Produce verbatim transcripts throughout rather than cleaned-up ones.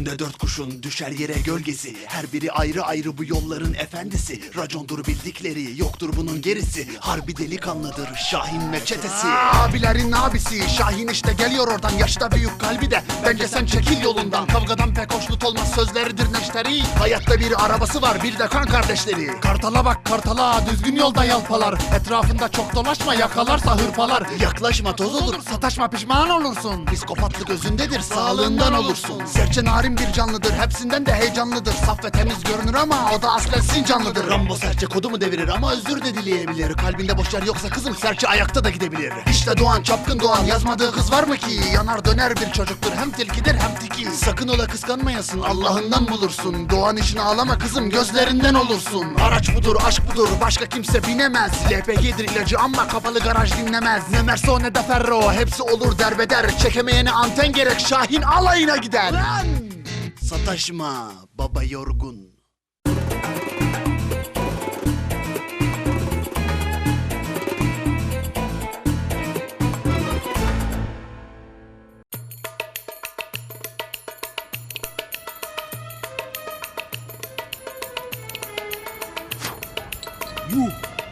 Üstünde dört kuşun düşer yere gölgesi. Her biri ayrı ayrı bu yolların efendisi. Racondur bildikleri, yoktur bunun gerisi. Harbi delikanlıdır Şahin ve çetesi. Abilerin abisi Şahin işte geliyor oradan. Yaşta büyük kalbi de bence sen çekil yolundan. Kavgadan pek hoşnut olmaz sözleridir neşteri. Hayatta bir arabası var bir de kan kardeşleri. Kartala bak kartala düzgün yolda yalpalar. Etrafında çok dolaşma yakalarsa hırpalar. Yaklaşma toz olur. Sataşma pişman olursun. Psikopatlık özündedir, sağlığından olursun. Serçe narin bir canlıdır, hepsinden de heyecanlıdır. Saf ve temiz görünür ama o da aslen sincanlıdır. Rambo serçe kodu mu devirir ama özür de dileyebilir. Kalbinde boş yer yoksa kızım serçe ayakta da gidebilir. İşte Doğan, çapkın Doğan, yazmadığı kız var mı ki? Yanar döner bir çocuktur, hem tilkidir hem tiki. Sakın ola kıskanmayasın, Allah'ından bulursun. Doğan için ağlama kızım, gözlerinden olursun. Araç budur, aşk budur, başka kimse binemez. L P G'dir ilacı ama kapalı garaj dinlemez. Ne Merso ne de Ferro, hepsi olur derbeder. Çekemeyene anten gerek, Şahin alayına gider. Lan! Sataşma baba yorgun. Yuh.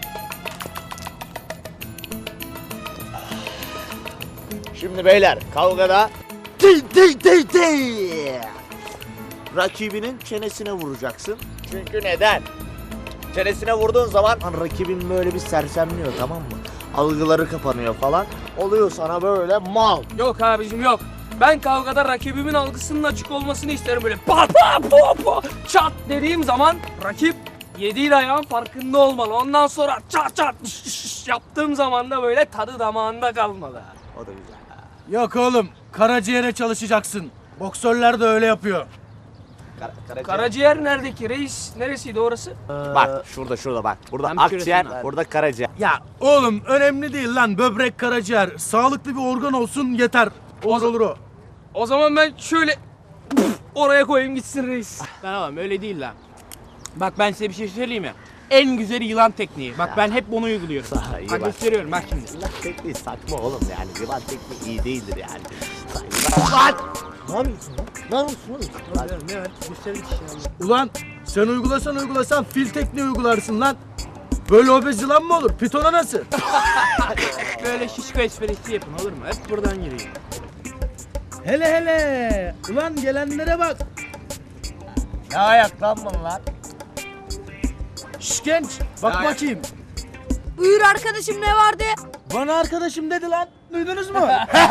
Şimdi beyler kavgada Dey dey dey dey. rakibinin çenesine vuracaksın. Çünkü neden? Çenesine vurduğun zaman rakibin böyle bir sersemliyor, tamam mı? Algıları kapanıyor falan. Oluyor sana böyle mal. Yok abicim yok. Ben kavgada rakibimin algısının açık olmasını isterim böyle. Pa pa pa pa çat dediğim zaman rakip yediği ayağın farkında olmalı. Ondan sonra çat çat şş, şş yaptığım zaman da böyle tadı damağında kalmalı. O da güzel. Yok oğlum, karaciğere çalışacaksın. Boksörler de öyle yapıyor. Kara, karaciğer. Karaciğer neredeki reis? Neresiydi orası? Bak şurada şurada bak. Burada Ben bir akciğer, şurasını- burada karaciğer. Ya oğlum önemli değil lan, böbrek, karaciğer. Sağlıklı bir organ olsun yeter. Olur olur o. O zaman ben şöyle oraya koyayım gitsin reis. Tamam öyle değil lan. Bak ben size bir şey söyleyeyim mi? En güzeli yılan tekniği. Bak ben hep bunu uyguluyorum. Daha iyi Bak bak. gösteriyorum bak şimdi. Yılan tekniği saçma oğlum yani. Yılan tekniği iyi değildir yani. Lan! Ne yapıyorsun lan? Ne yapıyorsun oğlum? Lan. Ne var? Gösterdik işte. Ulan sen uygulasan uygulasan fil tekniği uygularsın lan. Böyle obez yılan mı olur? Pitona nasıl? Böyle şişko esprisi yapın olur mu? Hep buradan gireyim. Hele hele. Ulan gelenlere bak. Ne ayaklanma lan? Şş genç, bak Ya- bakayım. Buyur arkadaşım, ne vardı? Bana arkadaşım dedi lan. Duydunuz mu?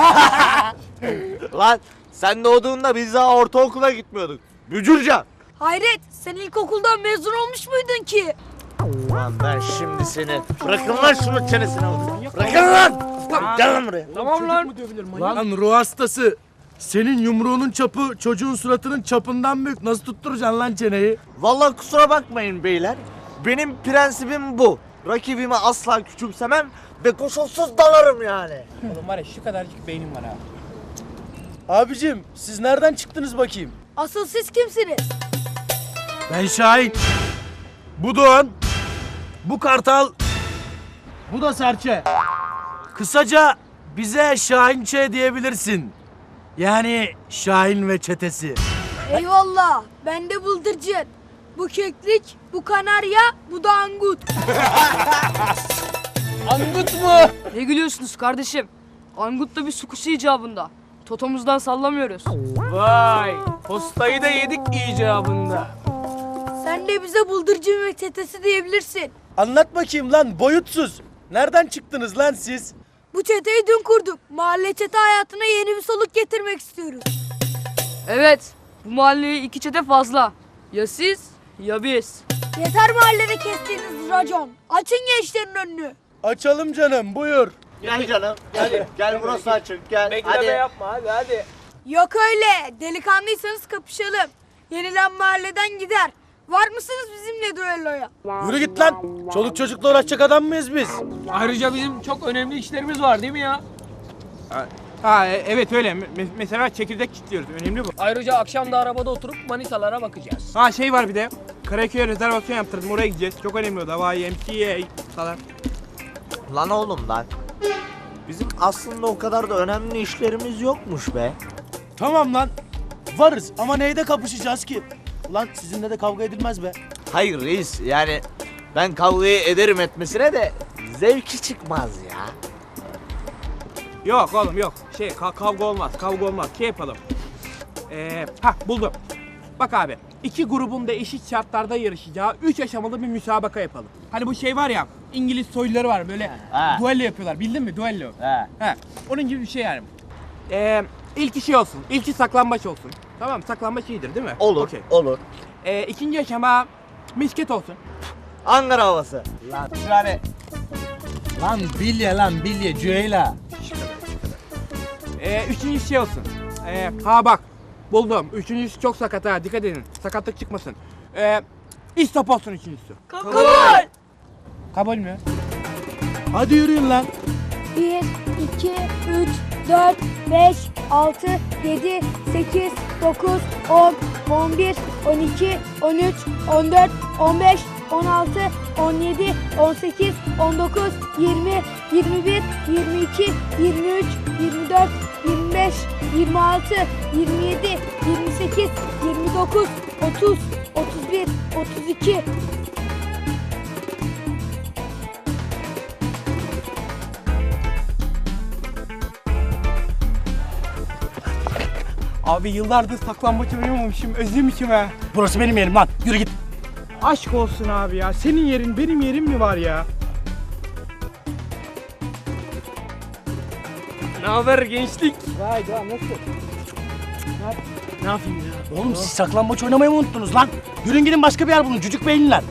Lan sen doğduğunda biz daha ortaokula gitmiyorduk. Bücürcan. Hayret, sen ilkokuldan mezun olmuş muydun ki? Lan ben şimdi seni... Bırakın lan şunu çenesine vurayım. Bırakın lan! Gel lan buraya. Tamam lan. Lan ruh hastası. Senin yumruğunun çapı çocuğun suratının çapından büyük. Nasıl tutturacaksın lan çeneyi? Vallahi kusura bakmayın beyler. Benim prensibim bu. Rakibimi asla küçümsemem ve koşulsuz dalarım yani. Oğlum var ya şu kadarcık beynim var ha. Abicim siz nereden çıktınız bakayım? Asıl siz kimsiniz? Ben Şahin. Bu Doğan. Bu Kartal. Bu da Serçe. Kısaca bize Şahinçe diyebilirsin. Yani Şahin ve çetesi. Eyvallah, ben de bıldırcın. Bu keklik, bu kanarya, bu da angut. Angut mu? Ne gülüyorsunuz kardeşim? Angut da bir sukusu icabında. Totomuzdan sallamıyoruz. Vay. Postayı da yedik icabında. Sen de bize bıldırcın ve çetesi diyebilirsin. Anlat bakayım lan boyutsuz. Nereden çıktınız lan siz? Bu çeteyi dün kurduk. Mahalle çete hayatına yeni bir soluk getirmek istiyoruz. Evet, bu mahalleye iki çete fazla. Ya siz ya biz. Yeter mahallede kestiğiniz racon. Açın gençlerin önünü. Açalım canım buyur. Gel canım. Gel, gel burası açık gel. Bekleme Hadi. yapma hadi hadi. Yok öyle. Delikanlıysanız kapışalım. Yenilen mahalleden gider. Var mısınız bizimle düelloya? Yürü git lan. Çoluk çocukla uğraşacak adam mıyız biz? Ayrıca bizim çok önemli işlerimiz var değil mi ya? Ha e- evet öyle. Me- mesela çekirdek kilitliyoruz. Önemli bu. Ayrıca akşam da arabada oturup manitalara bakacağız. Ha şey var bir de. Karaköy'e rezervasyon yaptırdım. Oraya gideceğiz. Çok önemli o da. Vay M T A falan. Lan oğlum lan. Bizim aslında o kadar da önemli işlerimiz yokmuş be. Tamam lan. Varız ama neyde kapışacağız ki? Ulan sizinle de kavga edilmez be. Hayır reis yani ben kavgayı ederim etmesine de zevki çıkmaz ya. Yok oğlum yok. Şey ka- kavga olmaz. Kavga olmaz. Şey yapalım. Ee, ha buldum. Bak abi. iki grubun da eşit şartlarda yarışacağı üç aşamalı bir müsabaka yapalım. Hani bu şey var ya İngiliz soyluları var böyle Ha. duello yapıyorlar. Bildin mi? Duello. He. He. Onun gibi bir şey yani. Ee, ilki şey olsun. İlki saklambaç olsun. Tamam mı? Saklambaç iyidir değil mi? Olur, Okey. olur. Ee, ikinci aşama misket olsun. Ankara havası. Lan yani Lan bilye lan bilye Cüeyla. Ee, üçüncü şey olsun. Ee, ha bak buldum. Üçüncüsü çok sakat ha dikkat edin. Sakatlık çıkmasın. Ee, istop olsun üçüncüsü. Kabul. Kabul mü? Hadi yürüyün lan. bir, iki, üç, dört, beş, altı, yedi, sekiz, dokuz, on, on bir, on iki, on üç, on dört, on beş, on altı, on yedi, on sekiz, on dokuz, yirmi, yirmi bir, yirmi iki, yirmi üç, yirmi dört, yirmi beş, yirmi altı, yirmi yedi, yirmi sekiz, yirmi dokuz, otuz, otuz bir, otuz iki. Abi yıllardır saklambaç oynamamışım. Özlemişim ha. Burası benim yerim lan. Yürü git. Aşk olsun abi ya. Senin yerin benim yerim mi var ya? Ne haber gençlik? Vay be nasıl? Ne yapayım ya? Oğlum siz saklambaç oynamayı mı unuttunuz lan? Yürüyün gidin başka bir yer bulun. Cücük beyinler.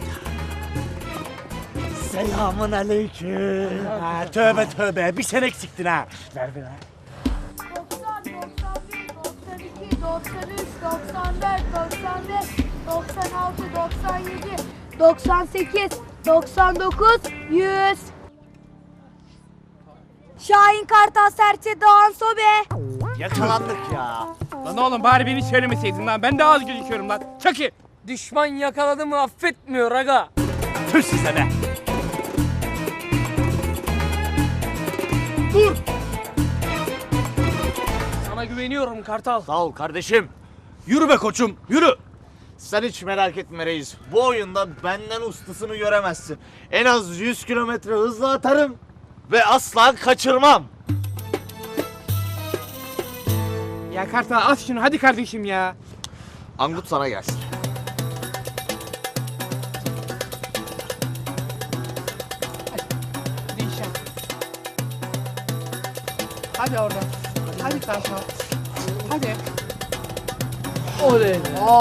selamun aleyküm. Ha, tövbe tövbe. Bir sen eksiktin ha. Ver ver. doksan, doksan bir, doksan iki, doksan üç, doksan dört, doksan beş, doksan altı, doksan yedi, doksan sekiz, doksan dokuz, yüz. Şahin Kartal Serçe Doğan Sobe. Yakalandık ya. Lan oğlum bari beni söylemeseydin lan. Ben daha az gözüküyorum lan. Çaki. Düşman yakaladı mı affetmiyor aga. Tüh size be. Sana güveniyorum Kartal. Sağ ol kardeşim. Yürü be koçum. Yürü. Sen hiç merak etme reis. Bu oyunda benden ustasını göremezsin. En az yüz kilometre hızla atarım ve asla kaçırmam. Ya Kartal at şunu hadi kardeşim ya. Angut sana gelsin. Değişen. Hadi oradan. Hadi Kartal. Hadi. Oley.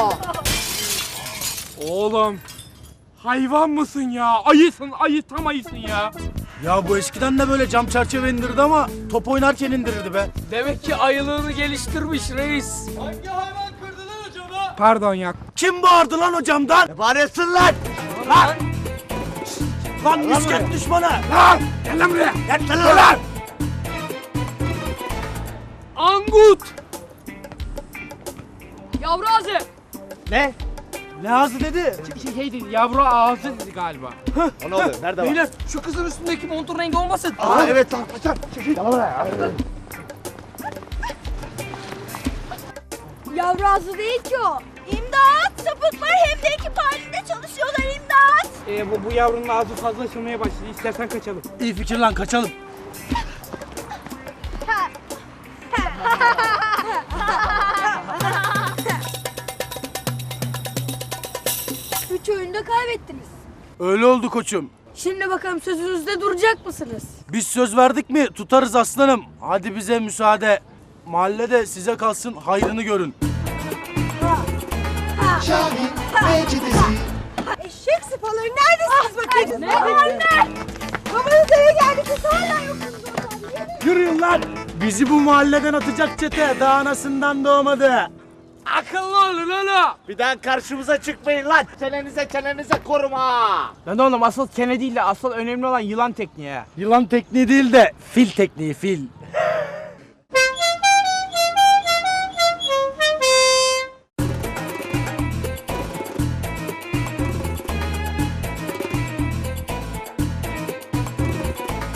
Oğlum. Hayvan mısın ya? Ayısın, ayı tam ayısın ya. Ya bu eskiden de böyle cam çerçeve indirdi ama top oynarken indirirdi be. Demek ki ayılığını geliştirmiş reis. Pardon ya. Kim bağırdı lan o camdan? Ne bağırıyorsun lan? Lan! Lan misket buraya. düşmanı! Lan! Gel lan buraya! Gel lan! Angut. Yavru ağzı. Ne? Ne ağzı dedi? Şey, şey dedi, yavru ağzı dedi galiba. O ne oluyor? Nerede var? Beyler şu kızın üstündeki montun rengi olmasın. Aa evet lan kaçar. Yavru ağzı değil ki o. İmdat! Sapıklar hem de ekip halinde çalışıyorlar imdat! Ee, bu, bu yavrunun ağzı fazla açılmaya başladı. İstersen kaçalım. İyi fikir lan kaçalım. Üç oyunda kaybettiniz. Öyle oldu koçum. Şimdi bakalım sözünüzde duracak mısınız? Biz söz verdik mi tutarız aslanım. Hadi bize müsaade. Mahallede size kalsın hayrını görün. Eşek sıpaları neredesiniz bakayım? Ne anne? Babanız eve geldi siz hala yoksunuz oradan. Yürüyün lan. Bizi bu mahalleden atacak çete daha anasından doğmadı. Akıllı olun oğlum. Bir daha karşımıza çıkmayın lan. Çenenize çenenize koruma. Lan oğlum asıl çene değil de asıl önemli olan yılan tekniği ha. Yılan tekniği değil de fil tekniği fil.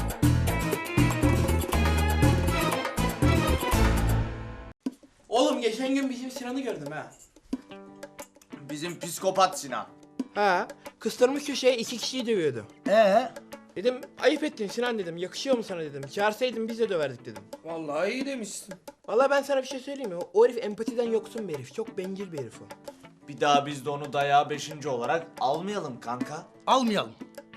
Oğlum geç geçen gün bizim Sinan'ı gördüm ha. Bizim psikopat Sinan. Ha, kıstırmış köşeye iki kişiyi dövüyordu. Ee? Dedim ayıp ettin Sinan dedim. Yakışıyor mu sana dedim. Çağırsaydın biz de döverdik dedim. Vallahi iyi demişsin. Vallahi ben sana bir şey söyleyeyim mi? O herif empatiden yoksun bir herif. Çok bencil bir herif o. Bir daha biz de onu dayağı beşinci olarak almayalım kanka. Almayalım.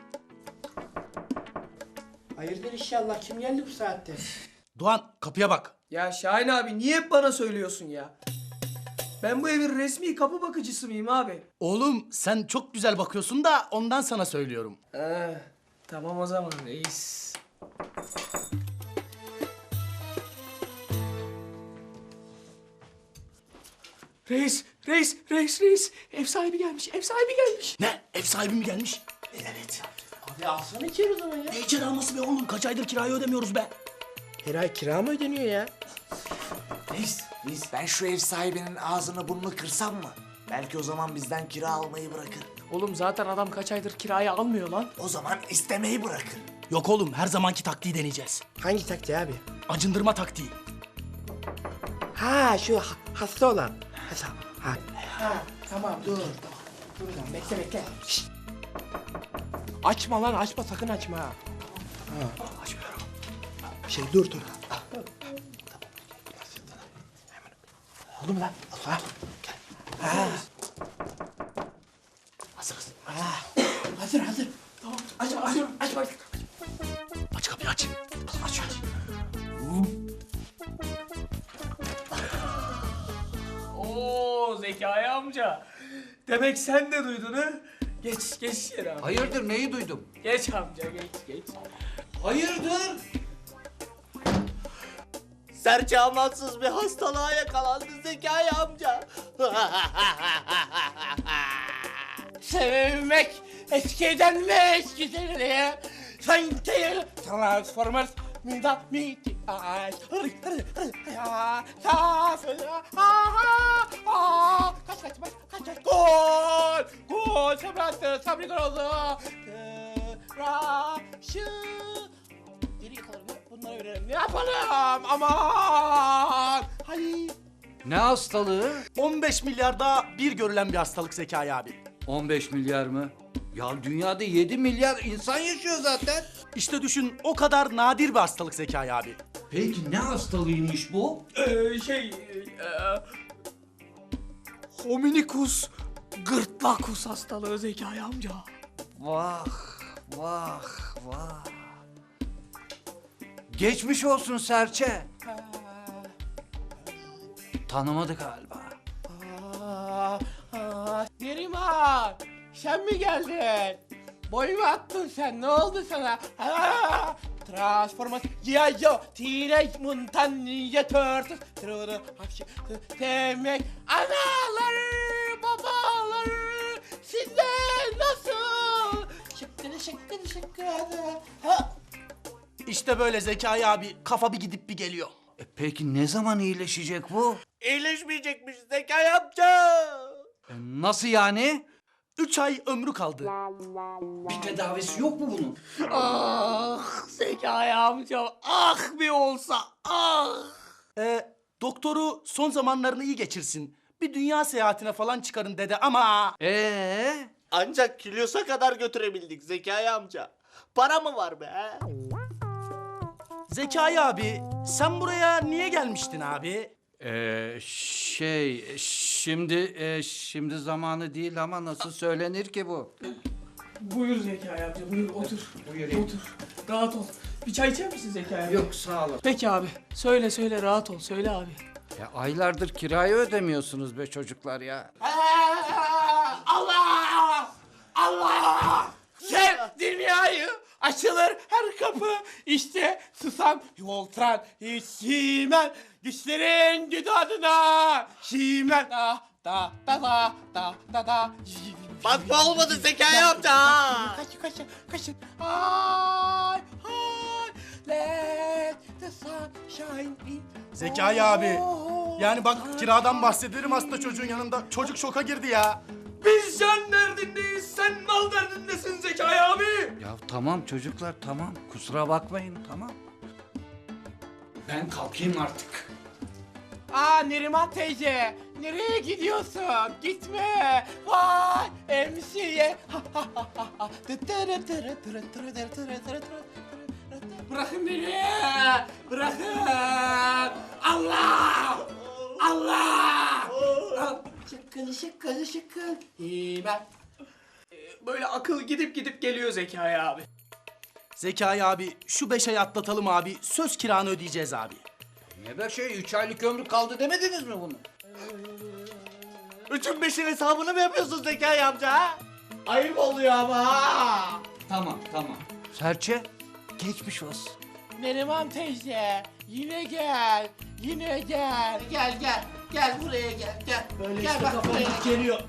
Hayırdır inşallah. Kim geldi bu saatte? Doğan kapıya bak. Ya Şahin abi niye hep bana söylüyorsun ya? Ben bu evin resmi kapı bakıcısı mıyım abi? Oğlum sen çok güzel bakıyorsun da ondan sana söylüyorum. Ha, tamam o zaman reis. Reis, reis, reis, reis. Ev sahibi gelmiş, ev sahibi gelmiş. Ne? Ev sahibi mi gelmiş? Evet. Abi alsana içeri o zaman ya. Ne için alması be oğlum? Kaç aydır kirayı ödemiyoruz be. Her ay kira mı ödeniyor ya? Reis, reis ben şu ev sahibinin ağzını burnunu kırsam mı? Belki o zaman bizden kira almayı bırakır. Oğlum zaten adam kaç aydır kirayı almıyor lan. O zaman istemeyi bırakır. Yok oğlum her zamanki taktiği deneyeceğiz. Hangi taktiği abi? Acındırma taktiği. Ha şu ha- hasta olan. Ha, ha. ha tamam dur. Dur lan bekle bekle. Şşt. Açma lan açma sakın açma. Ha. Ha. Açmıyorum. Şey dur dur. Oldu mu lan? Ha. Ha. Hazırız. Ha. Hazır hazır. Tamam, aç, açıyorum, aç bak. Aç kapıyı aç. Aç aç. Oo Zekai amca. Demek sen de duydun ha? Geç, geç yere abi. Hayırdır neyi duydum? Geç amca, geç, geç. Hayırdır? Serçe amansız bir hastalığa yakalandı Zekai amca. Sevmek eskiden mi eskiden sanki Transformers Mida miti ay hırı hırı hırı ya safına ha ha kaç kaç kaç kaç kaç gol gol Sabri Sabri gol oldu Tıraşı geriye kalır mı? Bunları verelim ne yapalım aman hayır. Ne hastalığı? on beş milyarda bir görülen bir hastalık Zekai abi. on beş milyar mı? Ya dünyada yedi milyar insan yaşıyor zaten. İşte düşün o kadar nadir bir hastalık Zekai abi. Peki ne hastalığıymış bu? Ee, şey... E, Hominikus gırtlakus hastalığı Zekai amca. Vah, vah, vah. Geçmiş olsun Serçe. Tanımadı galiba. Aa, aa, Neriman, sen mi geldin? Boy mu attın sen? Ne oldu sana? Aa, Transformers, G I. Joe, Teenage Mutant Ninja Turtles, True Hapşi, Demek anaları, babaları, sizde nasıl? Şıkkıdı şıkkıdı şıkkıdı. Ha? İşte böyle Zekai abi kafa bir gidip bir geliyor. E peki ne zaman iyileşecek bu? İyileşmeyecekmiş Zekai amca. E nasıl yani? Üç ay ömrü kaldı. Bir tedavisi yok mu bunun? Ah Zekai amca, ah bir olsa, ah. Ee, doktoru son zamanlarını iyi geçirsin. Bir dünya seyahatine falan çıkarın dedi ama... Ee? Ancak Kilyos'a kadar götürebildik Zekai amca. Para mı var be? Zekai abi sen buraya niye gelmiştin abi? Ee, şey şimdi e, şimdi zamanı değil ama nasıl söylenir ki bu? Buyur Zekai amca, buyur otur. Buyur. Otur, rahat ol. Bir çay içer misin Zekai amca? Yok sağ olun. Peki abi, söyle söyle rahat ol, söyle abi. Ya aylardır kirayı ödemiyorsunuz be çocuklar ya. Aa, Allah! Allah! Sev dünyayı açılır her kapı işte susam Voltran hiç Simen güçlerin güdü adına Simen da da da da da da da Bakma olmadı Zekai amca. Kaç kaç kaç ay ay let the sun shine in. Zekai abi. Yani bak kiradan bahsederim hasta çocuğun yanında. Çocuk şoka girdi ya. Biz can derdindeyiz, sen mal derdindesin Zekai abi. Ya tamam çocuklar tamam kusura bakmayın tamam. Ben kalkayım artık. Aa Neriman teyze, nereye gidiyorsun? Gitme. Vay emsiye. Bırakın beni. Bırakın. Allah. Allah. Şıkkın şıkkın şıkkın. Ben. Böyle akıl gidip gidip geliyor Zekai abi. Zekai abi şu beş ay atlatalım abi. Söz kiranı ödeyeceğiz abi. Ne be şey, üç aylık ömrü kaldı demediniz mi bunu? Üçün beşin hesabını mı yapıyorsun Zekai amca ha? Ayıp oluyor ama ha. Tamam, tamam. Serçe, geçmiş olsun. Neriman teyze, yine gel. Yine gel. Gel gel. Gel buraya gel. Gel. Böyle gel, işte bak buraya geliyor.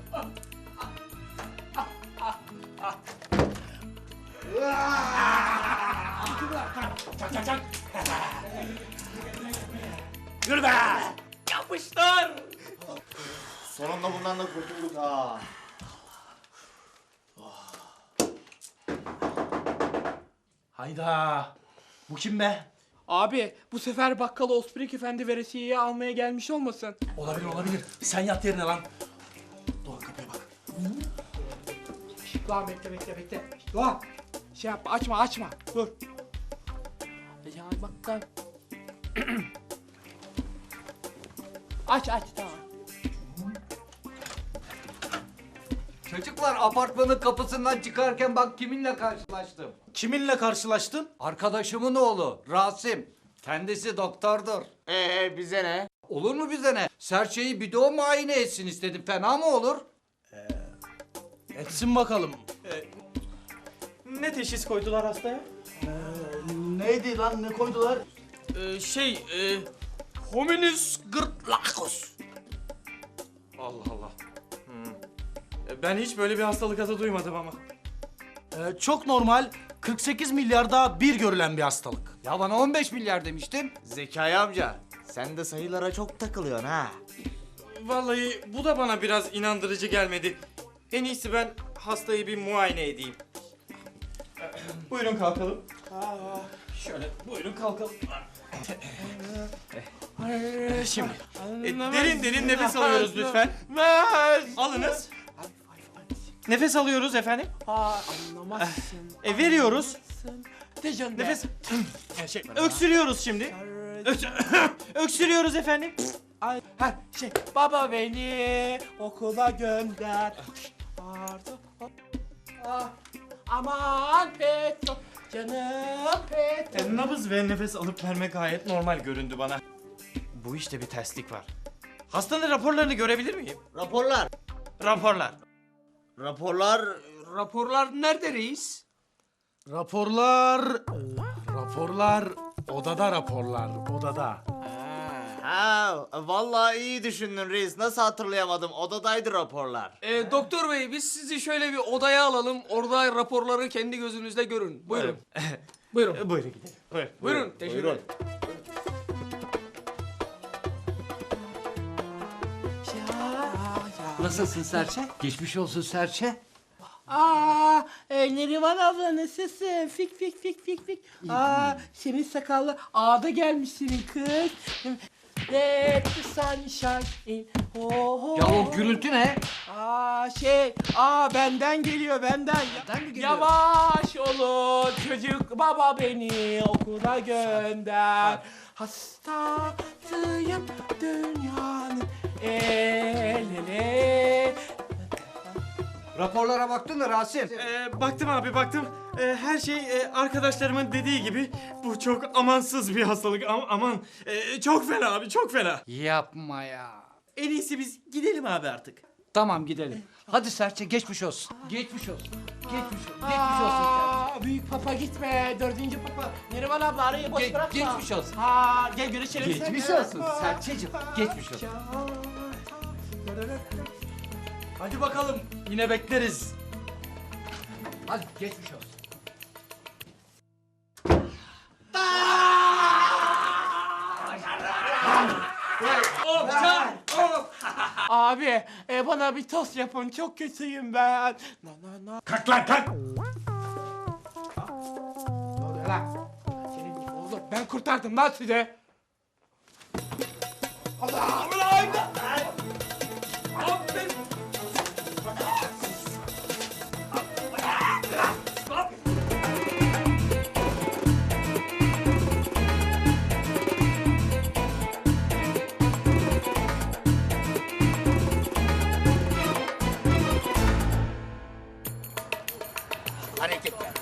Yürü be! Yapıştır! Sonunda bundan da kurtulduk ha. Hayda. Bu kim be? Abi bu sefer bakkal Osprik Efendi veresiyeyi almaya gelmiş olmasın? Olabilir olabilir. Sen yat yerine lan. Doğan kapıya bak. Doğan bekle bekle bekle. Doğan. Şey yapma açma açma. Dur. Ya bakkal. Aç aç tamam. Çocuklar, apartmanın kapısından çıkarken bak kiminle karşılaştım. Kiminle karşılaştın? Arkadaşımın oğlu Rasim. Kendisi doktordur. Ee bize ne? Olur mu bize ne? Serçeyi bir de o muayene etsin istedim. Fena mı olur? Etsin bakalım. Ne teşhis koydular hastaya? Neydi lan, ne koydular? Ee, şey, e, hominis gırtlakos. Allah Allah. Hmm. E, Ben hiç böyle bir hastalık adı duymadım ama. Ee, çok normal. kırk sekiz milyarda bir görülen bir hastalık. Ya bana on beş milyar demiştin. Zekai amca, sen de sayılara çok takılıyorsun ha. Vallahi bu da bana biraz inandırıcı gelmedi. En iyisi ben hastayı bir muayene edeyim. Buyurun kalkalım. Şöyle buyurun kalkalım. Şimdi e, derin derin nefes alıyoruz lütfen. Alınız. Nefes alıyoruz efendim. Ha anlamazsın. E, veriyoruz. Dejan Nefes. E, şey, öksürüyoruz şimdi. Öks öksürüyoruz efendim. Ay, ha şey baba beni okula gönder. Pardon. Ah, aman Petro canım Petro. E, nabız ve nefes alıp verme gayet normal göründü bana. Bu işte bir terslik var. Hastanın raporlarını görebilir miyim? Raporlar. Raporlar. Raporlar... Raporlar nerede reis? Raporlar... Raporlar... Odada raporlar. Odada. Ha, vallahi iyi düşündün reis. Nasıl hatırlayamadım? Odadaydı raporlar. Ee, doktor bey biz sizi şöyle bir odaya alalım. Orada raporları kendi gözünüzle görün. Buyurun. Buyurun. E, buyurun gidelim. Buyurun. Buyurun. Teşekkür ederim. Nasılsın Serçe? Geçmiş olsun Serçe. Aa, e, Neriman abla nasılsın? Fik fik fik fik fik. Aa, senin sakallı ağda gelmiş senin kız. Let the sunshine in. Oh, oh. Ya o gürültü ne? Aa şey, aa benden geliyor benden. Benden mi geliyor? Yavaş olun çocuk baba beni okula gönder. Hastasıyım dünyanın el ele. Raporlara baktın mı Rasim? Ee, baktım abi baktım. Ee, her şey e, arkadaşlarımın dediği gibi bu çok amansız bir hastalık. Am- aman Ee, çok fena abi çok fena. Yapma ya. En iyisi biz gidelim abi artık. Tamam gidelim. Hadi Serçe geçmiş olsun. Geçmiş olsun. Geçmiş olsun. Geçmiş olsun Serçe. Aa, büyük papa gitme. Dördüncü papa. Neriman abla arayı boş Ge- bırakma. geçmiş olsun. Ha, gel görüşelim. Geçmiş seninle. olsun Serçeciğim. Geçmiş olsun. Hadi bakalım. Yine bekleriz. Hadi geçmiş olsun. Abi e, bana bir tost yapın. Çok kötüyüm ben. Na na na. Kalk lan kalk. Ne oluyor lan? Senin oğlum ben kurtardım lan sizi. Hareketler.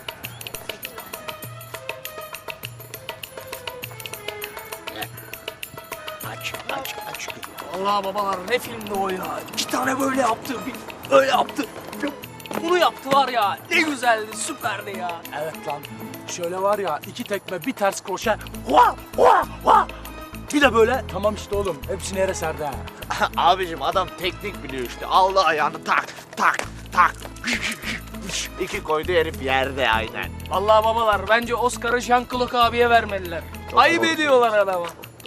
Aç, aç, aç. Allah babalar ne filmdi o ya. İki tane böyle yaptı, bir öyle yaptı. Bunu yaptılar ya. Ne güzeldi, süperdi ya. Evet lan. Şöyle var ya iki tekme bir ters kroşe. Hua hua hua. Bir de böyle tamam işte oğlum hepsini yere serdi ha. Abicim adam teknik biliyor işte. Aldı ayağını tak tak tak. İki koydu herif yerde aynen. Allah babalar bence Oscar'ı Jean-Claude abiye vermeliler. Ayıp ediyorlar adama.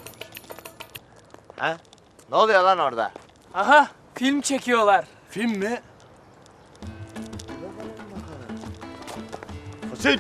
Ha? Ne oluyor lan orada? Aha film çekiyorlar. Film mi? Fosil.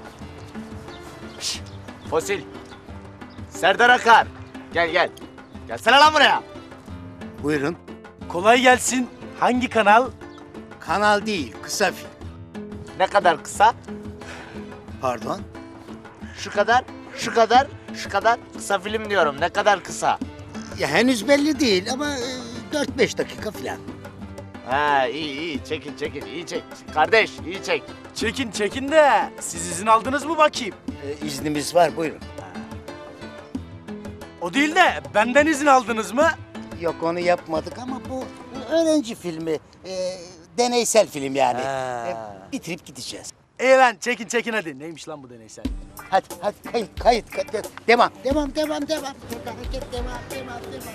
Şş, Fosil. Serdar Akar. Gel gel. Gelsene lan buraya. Buyurun. Kolay gelsin. Hangi kanal? Kanal değil, kısa film. Ne kadar kısa? Pardon? Şu kadar, şu kadar, şu kadar. Kısa film diyorum. Ne kadar kısa? Ya henüz belli değil ama e, dört beş dakika falan. Ha iyi iyi. Çekin çekin. İyi çek. Kardeş iyi çek. Çekin çekin de siz izin aldınız mı bakayım? E, iznimiz var, buyurun. O değil de benden izin aldınız mı? Yok onu yapmadık ama bu öğrenci filmi. e, deneysel film yani. Ha. E, bitirip gideceğiz. İyi lan çekin çekin hadi. Neymiş lan bu deneysel? Hadi hadi kayıt kayıt, kayıt. Devam devam devam devam. Hareket devam devam devam.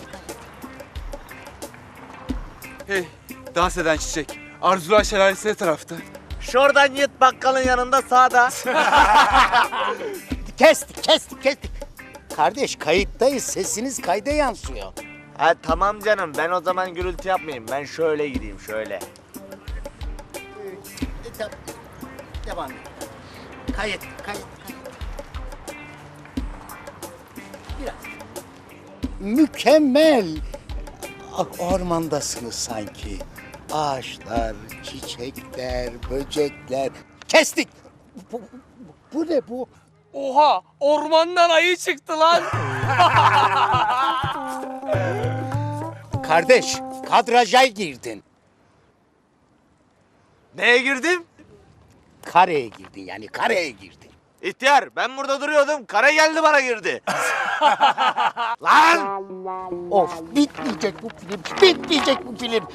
Hey, dans eden çiçek. Arzular şelalesi ne tarafta? Şuradan git bakkalın yanında sağda. Kestik kestik kestik. Kardeş kayıttayız, sesiniz kayda yansıyor. Ha tamam canım. Ben o zaman gürültü yapmayayım. Ben şöyle gideyim şöyle. E, de- devam et. Kayıt kayıt kayıt. Biraz. Mükemmel. Ah, ormandasınız sanki. Ağaçlar, çiçekler, böcekler. Kestik. Bu, bu, bu ne bu? Oha ormandan ayı çıktı lan. Kardeş, kadraja girdin. Neye girdim? Kareye girdin yani, kareye girdin. İhtiyar ben burada duruyordum. Kara geldi bana girdi. Lan! Of, bitmeyecek bu film, bitmeyecek bu film.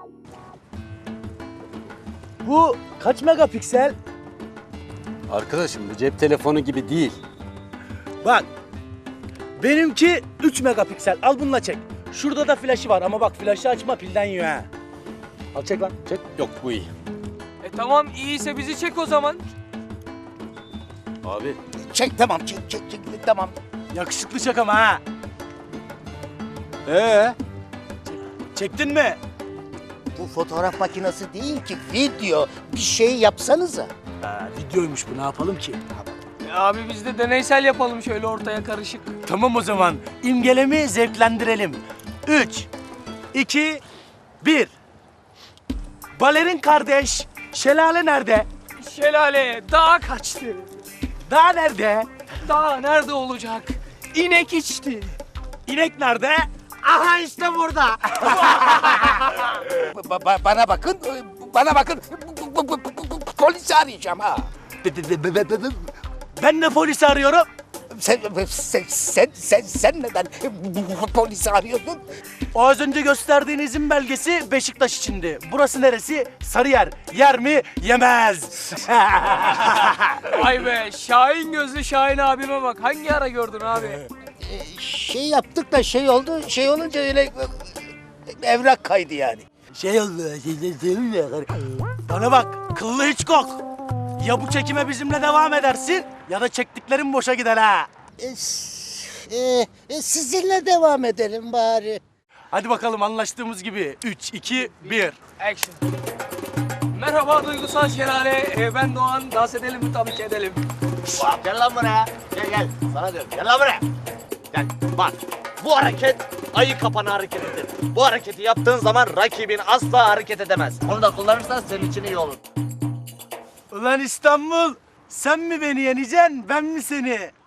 Bu kaç megapiksel? Arkadaşım bu cep telefonu gibi değil. Bak. Benimki üç megapiksel. Al bununla çek. Şurada da flaşı var ama bak flaşı açma pilden yiyor ha. Al çek lan çek. Yok bu iyi. E tamam iyiyse bizi çek o zaman. Abi Çek tamam, çek çek çek, tamam. Yakışıklı çek ama ha. ee? Çektin mi? Bu fotoğraf makinesi değil ki, video. Bir şey yapsanıza. Ha, videoymuş bu ne yapalım ki? E abi biz de deneysel yapalım şöyle ortaya karışık. Tamam o zaman. İmgelemi zevklendirelim. Üç, iki, bir. Balerin kardeş, şelale nerede? Şelale dağa kaçtı. Dağ nerede? Dağ nerede olacak? İnek içti. İnek nerede? Aha işte burada. Ba- ba- bana bakın, bana bakın. Bu- bu- bu- bu- bu- Polisi arayacağım ha. Ben de polisi arıyorum. Sen, sen, sen, sen, sen neden polisi arıyorsun? O az önce gösterdiğin izin belgesi Beşiktaş içindi. Burası neresi? Sarıyer. Yer mi? Yemez. Vay be Şahin gözlü Şahin abime bak. Hangi ara gördün abi? Ee, Şey yaptık da şey oldu, şey olunca öyle e, evrak kaydı yani. Şey oldu. Bana bak. Kıllı hiç kok. Ya bu çekime bizimle devam edersin ya da çektiklerin boşa gider ha. E, s- e, e, sizinle devam edelim bari. Hadi bakalım anlaştığımız gibi. Üç, iki, bir. Action. Merhaba duygusal şelale. Ee, ben Doğan. Dans edelim mi? Tabii ki edelim. Gel lan buraya. Gel gel. Sana diyorum. Gel lan buraya. Gel. Bak. Bu hareket ayı kapanı hareketidir. Bu hareketi yaptığın zaman rakibin asla hareket edemez. Onu da kullanırsan senin için iyi olur. Ulan İstanbul, sen mi beni yeneceksin, ben mi seni?